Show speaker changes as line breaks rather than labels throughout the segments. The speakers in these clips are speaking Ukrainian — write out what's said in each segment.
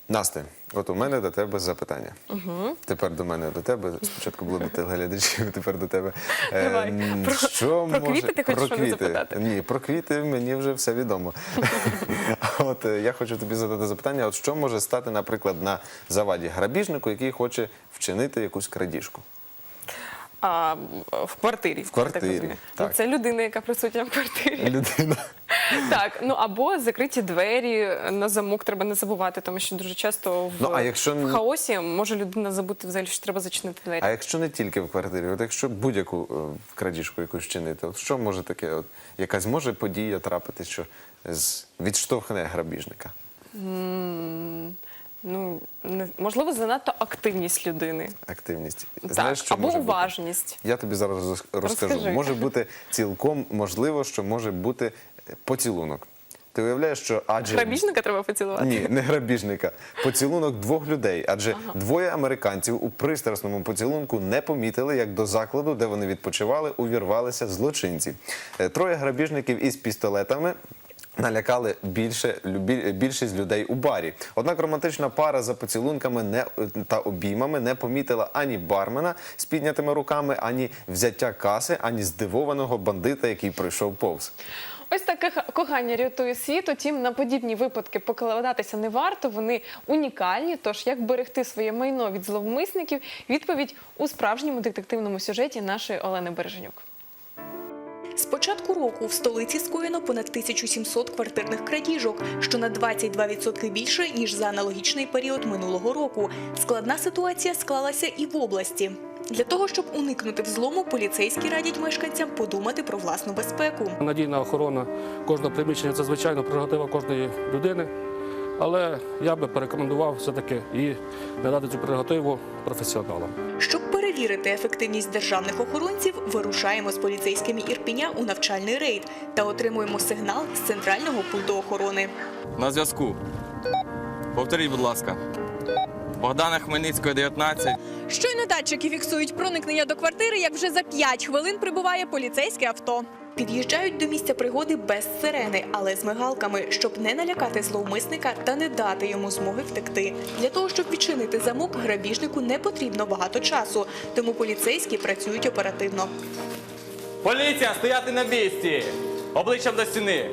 Насте, от у мене до тебе запитання. Тепер до мене до тебе. Спочатку було до телеглядачів, тепер до тебе.
Давай. Про квіти ти хочеш мене запитати?
Ні, про квіти мені вже все відомо. От я хочу тобі задати запитання, от що може стати, наприклад, на заваді грабіжнику, який хоче вчинити якусь крадіжку?
В квартирі.
В квартирі, так.
Це людина, яка присутня в квартирі.
Людина.
Так, ну або закриті двері на замок, треба не забувати, тому що дуже часто в хаосі може людина забути взагалі, що треба зачинити двері.
А якщо не тільки в квартирі, от якщо будь-яку крадіжку якусь вчинити, от що може таке, от якась може подія трапити, що відштовхне грабіжника?
Ну, можливо, занадто активність людини.
Активність.
Так,
Знаєш, що
або
може
уважність.
бути? Я тобі зараз розкажу.
Розкажи.
Може бути цілком можливо, що може бути поцілунок. Ти уявляєш, що
Грабіжника треба поцілувати?
Ні, не грабіжника. Поцілунок двох людей. Адже двоє американців у пристрасному поцілунку не помітили, як до закладу, де вони відпочивали, увірвалися злочинці. Троє грабіжників із пістолетами налякали більшість людей у барі. Однак романтична пара за поцілунками та обіймами не помітила ані бармена з піднятими руками, ані взяття каси, ані здивованого бандита, який пройшов повз.
Ось таке кохання рятує світ, утім на подібні випадки покладатися не варто, вони унікальні, тож як берегти своє майно від зловмисників, відповідь у справжньому детективному сюжеті нашої Олени Береженюк.
З початку року в столиці скоєно понад 1700 квартирних крадіжок, що на 22% більше, ніж за аналогічний період минулого року. Складна ситуація склалася і в області. Для того, щоб уникнути взлому, поліцейські радять мешканцям подумати про власну безпеку.
Надійна охорона кожного приміщення – це, звичайно, прерогатива кожної людини. Але я би порекомендував все-таки і надати цю прерогативу професіоналам.
Щоб перевірити ефективність державних охоронців, вирушаємо з поліцейськими Ірпеня у навчальний рейд та отримуємо сигнал з центрального пульту охорони.
На зв'язку. Повторіть, будь ласка. Богдана Хмельницького, 19.
Щойно датчики фіксують проникнення до квартири, як вже за 5 хвилин прибуває поліцейське авто.
Під'їжджають до місця пригоди без сирени, але з мигалками, щоб не налякати зловмисника та не дати йому змоги втекти. Для того, щоб відчинити замок, грабіжнику не потрібно багато часу, тому поліцейські працюють оперативно.
Поліція, стояти на місці! Обличчям до стіни!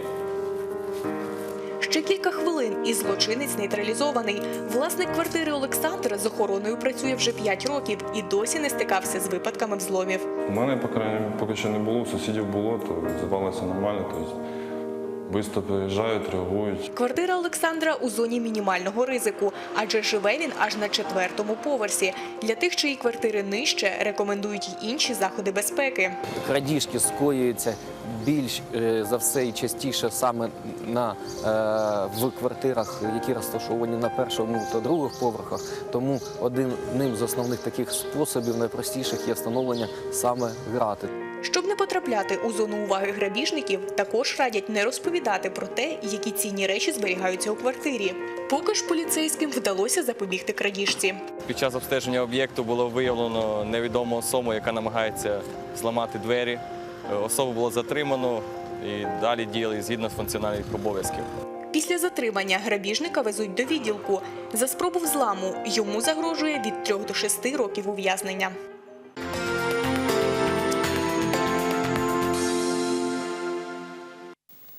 Ще кілька хвилин і злочинець нейтралізований. Власник квартири Олександр з охороною працює вже 5 років і досі не стикався з випадками взломів.
У мене, поки що не було, у сусідів було, то здавалося нормально, тобто швидко приїжджають, реагують.
Квартира Олександра у зоні мінімального ризику, адже живе він аж на 4-му поверсі. Для тих, чиї квартири нижче, рекомендують й інші заходи безпеки.
Крадіжки скоюються більш за все і частіше саме в квартирах, які розташовані на 1-му та 2-х поверхах. Тому одним з основних таких способів, найпростіших, є встановлення саме грати.
Щоб не потрапляти у зону уваги грабіжників, також радять не розповідати про те, які цінні речі зберігаються у квартирі. Поки ж поліцейським вдалося запобігти крадіжці.
Під час обстеження об'єкту було виявлено невідому особу, яка намагається зламати двері. Особу було затримано і далі діяли згідно з функціональних обов'язків.
Після затримання грабіжника везуть до відділку. За спробу взламу йому загрожує від 3 до 6 років ув'язнення.